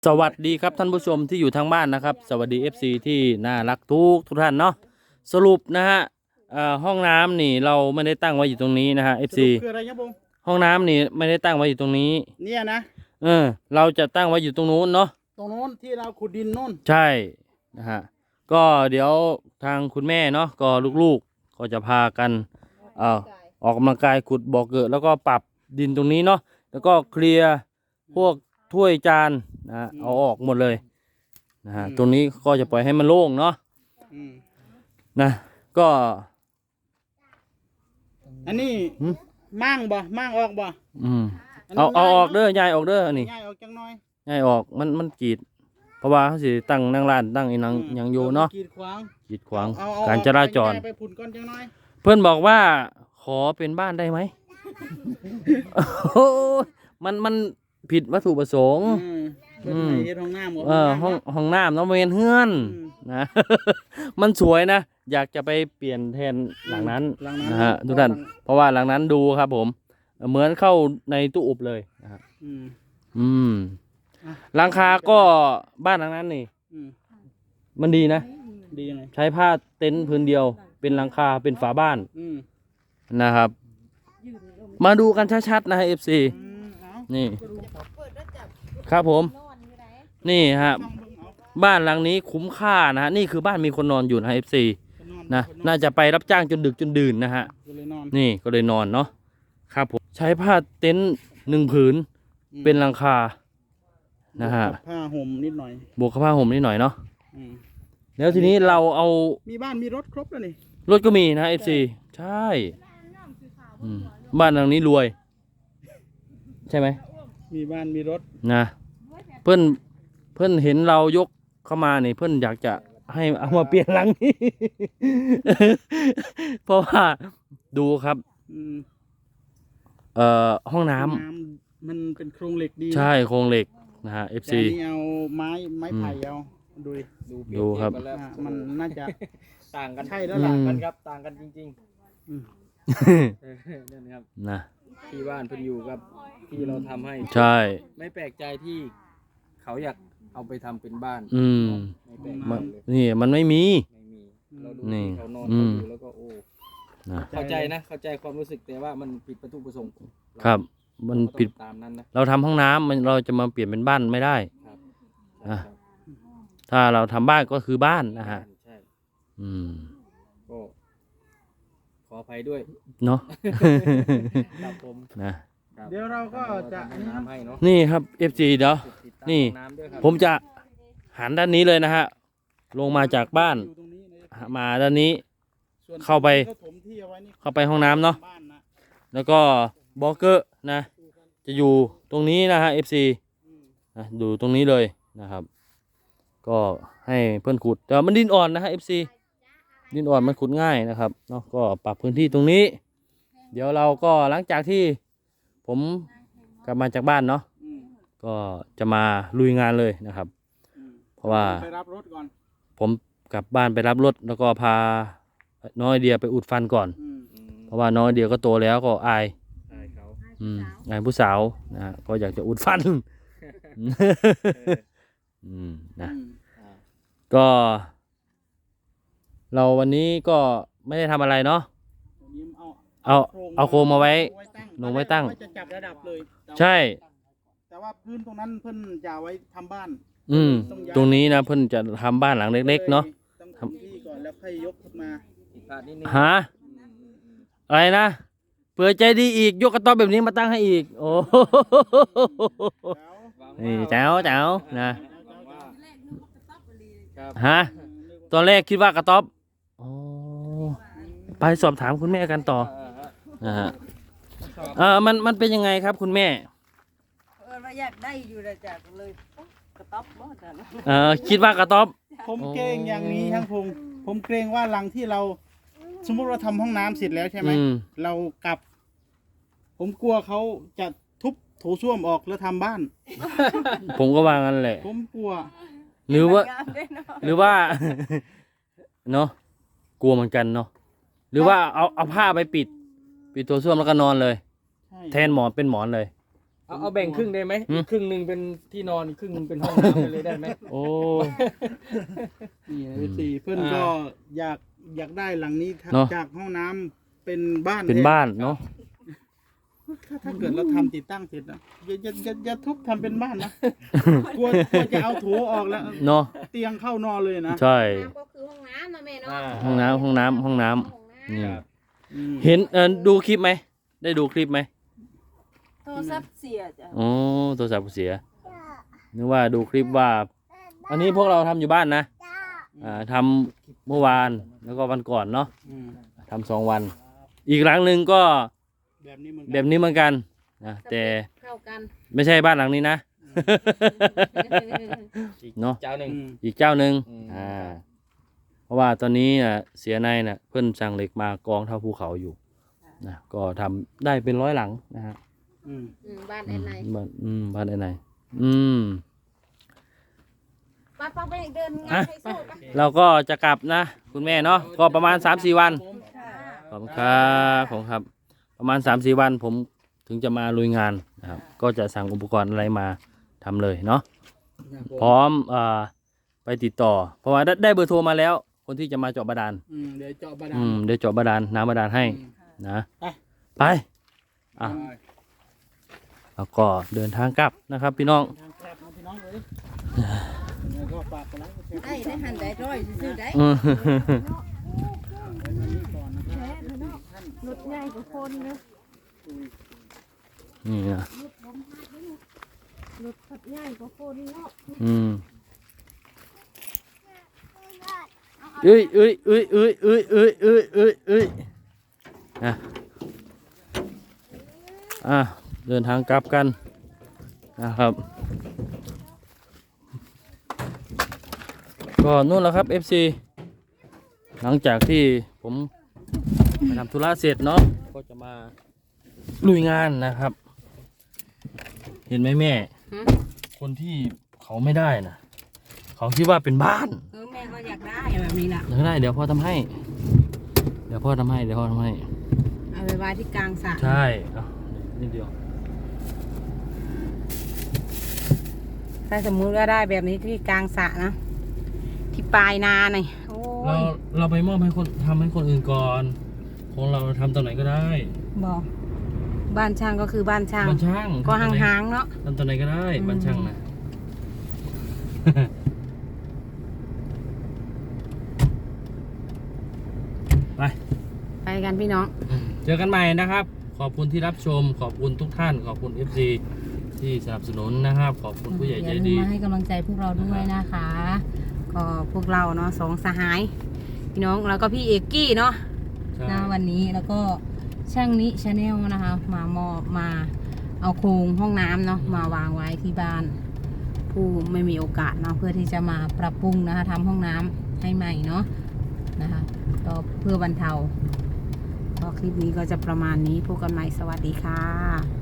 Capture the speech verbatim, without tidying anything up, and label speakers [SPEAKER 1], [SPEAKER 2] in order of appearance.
[SPEAKER 1] สวัสดีครับท่านผู้ชมที่อยู่ทางบ้านนะครับสวัสดี เอฟ ซี ที่น่ารักทุกทุกท่านเนาะสรุปนะฮะห้องน้ำนี่เราไม่ได้ตั้งไว้อยู่ตรงนี้นะฮะ เอฟ ซี
[SPEAKER 2] คืออะไรครับผม
[SPEAKER 1] ห้องน้ำนี่ไม่ได้ตั้งไว้อยู่ตรงนี้
[SPEAKER 2] เนี่ยนะ
[SPEAKER 1] เออเราจะตั้งไว้อยู่ตรงนู้นเนาะ
[SPEAKER 2] ตรงโน้นที่เราขุดดินโน้น
[SPEAKER 1] ใช่นะฮะก็เดี๋ยวทางคุณแม่เนาะก็ลูกๆก็จะพากันเอ่อออกกำลังกายขุดบ่อเกิดแล้วก็ปรับดินตรงนี้เนาะแล้วก็เคลียร์พวกถ้วยจานนะฮะเอาออกหมดเลยนะฮะตรงนี้ก็จะปล่อยให้มันโล่งเนาะนะก็
[SPEAKER 2] อันนี้มั่งบ่มั่งออกบ่
[SPEAKER 1] อืมเอาเอาออกเด้อยายออกเด้ออันนี้
[SPEAKER 2] ยายออกจังน้อย
[SPEAKER 1] ยายออกมันมันกีดเพราะว่าเขาสิตั้งนั่งร้านตั้งอีนังยังอยู่เนาะ
[SPEAKER 2] กีดขวาง
[SPEAKER 1] กีดขวางการจราจร
[SPEAKER 2] ไปพุ่นก้อนจังน้อย
[SPEAKER 1] เพื่อนบอกว่าขอเป็นบ้านได้ไหม โอ้มันมันผิดวัตถุประสงค์
[SPEAKER 2] อืมเฮ็ดห้องน้ำ
[SPEAKER 1] เออห้องห้องน้ำน้องเวนเฮือนนะ มันสวยนะอยากจะไปเปลี่ยนแทนหลังนั้นนะฮะทุกท่านเพราะว่าหลังนั้นดูครับผมเหมือนเข้าในตู้อบเลยนะฮะอืมหลังคาก็บ้านหลังนั้นนี่มันดีนะ
[SPEAKER 2] ดียังไง
[SPEAKER 1] ใช้ผ้าเต็นท์พื้นเดียวเป็นหลังคาเป็นฝาบ้านนะครับมาดูกันชัดๆนะฮะ เอฟ ซี นี่ครับผมนี่ฮะบ้านหลังนี้คุ้มค่านะฮะนี่คือบ้านมีคนนอนอยู่นะ เอฟ ซี นะน่าจะไปรับจ้างจนดึกจนดื่นนะฮะนี่ก็เลยนอนเนาะครับผมใช้ผ้าเต็นท์หนึ่งผืนเป็นหลังคานะฮะ
[SPEAKER 2] ผ้าห่มนิดหน่อย
[SPEAKER 1] บวกกับผ้าห่มนิดหน่อยเนาะแล้วทีนี้เราเอา
[SPEAKER 2] มีบ้านมีรถครบแล้วนี่
[SPEAKER 1] รถก็มีนะ เอฟ ซี ใช่บ้านหลังนี้รวยใช่ไหม
[SPEAKER 2] มีบ้านมีรถ
[SPEAKER 1] นะเพื่อนเพื่อนเห็นเรายกเข้ามาเนี่ยเพื่อนอยากจะให้เอามาเปลี่ยนหลังนี้ เพราะว่าดูครับเอ่อห้องน้
[SPEAKER 2] ำมันเป็นโครงเหล็กดี
[SPEAKER 1] ใช่โครงเหล็กนะฮะ เอฟ ซี
[SPEAKER 2] แต่นี่เอาไม้ไม้ไผ่เอาดู
[SPEAKER 1] ดูครับ
[SPEAKER 2] มันน่าจะ
[SPEAKER 3] ต่างกัน
[SPEAKER 2] ใช่แล้วล่ะ
[SPEAKER 3] กันครับต่างกันจริงๆนั่นครับ
[SPEAKER 1] นะ
[SPEAKER 3] ที่บ้านเพิ่นอยู่กับที่เราทำให้
[SPEAKER 1] ใช่
[SPEAKER 3] ไม่แปลกใจที่เขาอยากเอาไปทำเป็นบ้าน
[SPEAKER 1] อืมนี่มันไม่มี
[SPEAKER 3] ไม่มีเราดูเขานอนเขาอยู่แล้วก็โอ้เข้าใจนะเข้าใจความรู้สึกแต่ว่ามันผิดวัตถุประสงค์
[SPEAKER 1] ครับมันผิด
[SPEAKER 3] ตามนั้นนะ
[SPEAKER 1] เราทำห้องน้ำมันเราจะมาเปลี่ยนเป็นบ้านไม่ได้นะถ้าเราทำบ้านก็คือบ้านนะฮะ
[SPEAKER 3] ใช่
[SPEAKER 1] อืม
[SPEAKER 3] ก็ขออภัยด้วย
[SPEAKER 1] เนาะ
[SPEAKER 3] ครับผม
[SPEAKER 1] นะ
[SPEAKER 2] เดี๋ยวเราก็จะ
[SPEAKER 3] น้ำให้เนาะ
[SPEAKER 1] นี่ครับ เอฟ ซี เดี๋ยวนี่ผมจะหันด้านนี้เลยนะฮะลงมาจากบ้านมาด้านนี้เข้าไปเข้าไปห้องน้ำเนาะแล้วก็บล็อกเกอร์นะจะอยู่ตรงนี้นะฮะ เอฟ ซี นะดูตรงนี้เลยนะครับก็ให้เพื่อนขุดแต่มันดินอ่อนนะฮะ เอฟ ซี ดินอ่อนมันขุดง่ายนะครับเนาะก็ปรับพื้นที่ตรงนี้ เดี๋ยวเราก็หลังจากที่ผมกลับมาจากบ้านเนาะก็จะมาลุยงานเลยนะครับเพราะว่า
[SPEAKER 2] ไปรับรถก่อน
[SPEAKER 1] ผมกลับบ้านไปรับรถแล้วก็พาน้อยเดียไปอุดฟันก่อนเพราะว่าน้อยเดียก็โตแล้วก็อาย
[SPEAKER 3] อายเขา
[SPEAKER 1] อืมอายผู้สาวนะก็อยากจะอุดฟันอืมนะก็เราวันนี้ก็ไม่ได้ทำอะไรเนาะเอาเอาโคมมาไว้ลงไว้ตั้ง
[SPEAKER 2] จะจับระดับเลย
[SPEAKER 1] ใช่
[SPEAKER 2] แต่ว่าพื้นตรงนั้นเพิ่นจะไว้ทำบ้าน
[SPEAKER 1] อืมตรงนี้นะเพิ่นจะทำบ้านหลังเล็กๆเนาะ
[SPEAKER 2] ทำที่ก่อนแล้วค่อยยกขึ้นมา
[SPEAKER 1] หาอะไรนะเผื่อใจดีอีกยกกระต๊อบแบบนี้มาตั้งให้อีกโอ้นี่เจ้าเจ้านะฮะตอนแรกคิดว่ากระต๊อบไปสอบถามคุณแม่กันต่อนะฮะเออมันมันเป็นยังไงครับคุณแม่
[SPEAKER 4] เอออยากได้อยู่เลยจ้ะเลยกระต๊อบบ่จ้ะ
[SPEAKER 1] เออคิดว่ากระต๊อบ
[SPEAKER 2] ผมเกรงอย่างนี้ทั้งพงผมเกรงว่าหลังที่เราสมมติเราทำห้องน้ำเสร็จแล้วใช่ไหมเรากลับผมกลัวเขาจะทุบโถส้วมออกแล้วทำบ้าน
[SPEAKER 1] ผมก็ว่างั้นแหละ
[SPEAKER 2] ผมกลัว
[SPEAKER 1] หรือว่าหรือว่าเนาะกลัวเหมือนกันเนาะหรือว่าเอาเอาผ้าไปปิดปิดตัวส้วมแล้วก็นอนเลยแทนหมอนเป็นหมอนเลย
[SPEAKER 3] เอาเอาแบ่งครึ่งได้ไหม
[SPEAKER 1] หืม
[SPEAKER 3] อีกครึ่งหนึ่งเป็นที่นอนอีกครึ่งหนึ่งเป็นห้องน้ำไปเลยได้ไหม
[SPEAKER 1] โอ้
[SPEAKER 2] นี่เอฟซีเพื่อนก็อยากอยากได้หลังนี้ครับ
[SPEAKER 1] เนอะ
[SPEAKER 2] จากห้องน้ำเป็นบ้าน
[SPEAKER 1] เป็นบ้านเนาะ
[SPEAKER 2] ถ้าถ้าเกิดเราทำติดตั้งเสร็จนะอย่าอย่าอย่าอย่าทุบทำเป็นบ้านนะ กลัวกลัวจะเอาโถออกแล้ว
[SPEAKER 1] เนาะ
[SPEAKER 2] เตียงเข้านอนเลยนะ
[SPEAKER 1] ใช่
[SPEAKER 4] น้ำก็คือห้องน้ำนะแม่เนาะ
[SPEAKER 3] อ่า
[SPEAKER 1] ห้องน้ำห้องน้ำห้องน้ำ
[SPEAKER 4] ห้องน้
[SPEAKER 1] นี่
[SPEAKER 2] อืม
[SPEAKER 1] เห็นเออดูคลิปไหมได้ดูคลิปไหม
[SPEAKER 4] ำโทรศัพท์เสียจ้ะ
[SPEAKER 1] อ๋อโทรศัพท์เสียนึกว่าดูคลิปว่า อันนี้พวกเราทำอยู่บ้านนะอ่าทำเมื่อวานแล้วก็วันก่อนเนาะ
[SPEAKER 2] อืม
[SPEAKER 1] ทำสองวัน อีกหลังหนึ่งก็
[SPEAKER 2] แบบนี้เหมือน
[SPEAKER 1] แบ
[SPEAKER 2] กัน
[SPEAKER 1] บนี้เหมือนกันนะแต่
[SPEAKER 4] เข้ากัน
[SPEAKER 1] ไม่ใช่บ้านหลังนี้นะ เนาะ
[SPEAKER 3] เจ้าหนึ่ง
[SPEAKER 2] อืม
[SPEAKER 1] อีกเจ้าหนึ่ง
[SPEAKER 3] อืม
[SPEAKER 1] อ่า เพราะว่าตอนนี้น่ะเสียในน่ะเพื่อนสั่งเหล็กมากองเท่าภูเขาอยู่นะก็ทำได้เป็นร้อยหลังนะฮะ
[SPEAKER 2] อืม
[SPEAKER 4] อืมบ้าน
[SPEAKER 1] อื
[SPEAKER 4] แอน
[SPEAKER 1] ม
[SPEAKER 4] ไน
[SPEAKER 1] บ้านอืมบ้านไอ้ไหนอืม
[SPEAKER 4] ป้าป้าไปเดินงานไปสู้ปะ
[SPEAKER 1] เราก็จะกลับนะ คุณแม่เนาะก็ประมาณ สามสี่ วัน
[SPEAKER 4] ค่ะ
[SPEAKER 1] ขอบคุณครับผมครับ ประมาณ สามสี่ วันผมถึงจะมาลุยงานนะครับก็จะสั่งอุปกรณ์อะไรมาทำเลยเนาะพร้อมเอ่อไปติดต่อ เพราะว่าได้ได้เบอร์โทรมาแล้ว คนที่จะมาเจาะบาดาล
[SPEAKER 2] อืมเดี๋ยวเจาะบาดา
[SPEAKER 1] อื
[SPEAKER 2] ล
[SPEAKER 1] มเดี๋ยวเจาะบาดาลน้ำบาดาลให้
[SPEAKER 2] อืม
[SPEAKER 1] นะ
[SPEAKER 2] ไป
[SPEAKER 1] ไปอ่ะแล้วก็เดินทางกลับนะครับพี่น้อง
[SPEAKER 2] ทางแคบนะพี่น้องเลยแล้วก็ฝากกันแล้วก็แชร์
[SPEAKER 4] ได้ได้หันได้ร้อยซื้อได้
[SPEAKER 1] อืม
[SPEAKER 2] ก่อนนะครับท่าน
[SPEAKER 4] รถใหญ่กว่าคนนะ
[SPEAKER 1] นี่นะ
[SPEAKER 4] รถขับใหญ่กว่าคนเนาะ
[SPEAKER 1] อืมเอ้ยเอ้ยเอ้ยเอ้ยเอ้ยเอ้ยเอ้ยเอ้ยเอ้ยนะอ่ะเดินทางกลับกันนะครับ ก็นู่นแหละครับ เอฟ ซี หลังจากที่ผมไปทำธุระเสร็จเนาะก็จะมาลุยงานนะครับ เห็นไหมแม่ คนที่เขาไม่ได้นะเขาคิดว่าเป็นบ้าน
[SPEAKER 4] เออแม่ก็อยากได้แบบนี้แหละ
[SPEAKER 1] เดี๋ยวได้เดี๋ยวพ่อทำให้ เดี๋ยวพ่อทำให้เดี๋ยวพ่อทำให้
[SPEAKER 4] เอาไปไว้ที่กลางสระ
[SPEAKER 1] ใช่เอานิดเดียว
[SPEAKER 4] ถ้าสมมุติว่าได้แบบนี้ที่กลางสระนะ ที่ปลายนาหน่อยโอ้
[SPEAKER 1] เรา
[SPEAKER 4] ย
[SPEAKER 1] เราไปมอบให้คนทำให้คนอื่นก่อนของเราทำตอนไหนก็ได้
[SPEAKER 4] บอกบ้านช่างก็คือบ้านช่าง
[SPEAKER 1] บ้านช่าง
[SPEAKER 4] ก็
[SPEAKER 1] ทำตอนไหน
[SPEAKER 4] ห่างๆเนาะ
[SPEAKER 1] ทำตอนไหนก็ได้
[SPEAKER 4] อืม
[SPEAKER 1] บ้านช่างนะ ไป
[SPEAKER 4] ไปกันพี่น้อง
[SPEAKER 1] เจอกันใหม่นะครับ ขอบคุณที่รับชม ขอบคุณทุกท่าน ขอบคุณ เอฟ ซี ที่สนับสนุนนะครับ ขอบคุณผู้ใหญ่ใจ
[SPEAKER 4] อย่าลื
[SPEAKER 1] ดี
[SPEAKER 4] มมาให้กำลังใจพวกเราด้วยนะคะ ก็พวกเราเนาะสองสหาย พี่น้องแล้วก็พี่เอกกี้เนาะ
[SPEAKER 1] ใช่
[SPEAKER 4] นะวันนี้แล้วก็ช่างนี้ชาแนลนะคะ มามอบมาเอาโครงห้องน้ำเนาะมาวางไว้ที่บ้าน ผู้ไม่มีโอกาสเนาะเพื่อที่จะมาปรับปรุงนะคะทำห้องน้ำให้ใหม่เนาะนะคะก็เพื่อบรรเทาก็คลิปนี้ก็จะประมาณนี้พบกันใหม่สวัสดีค่ะ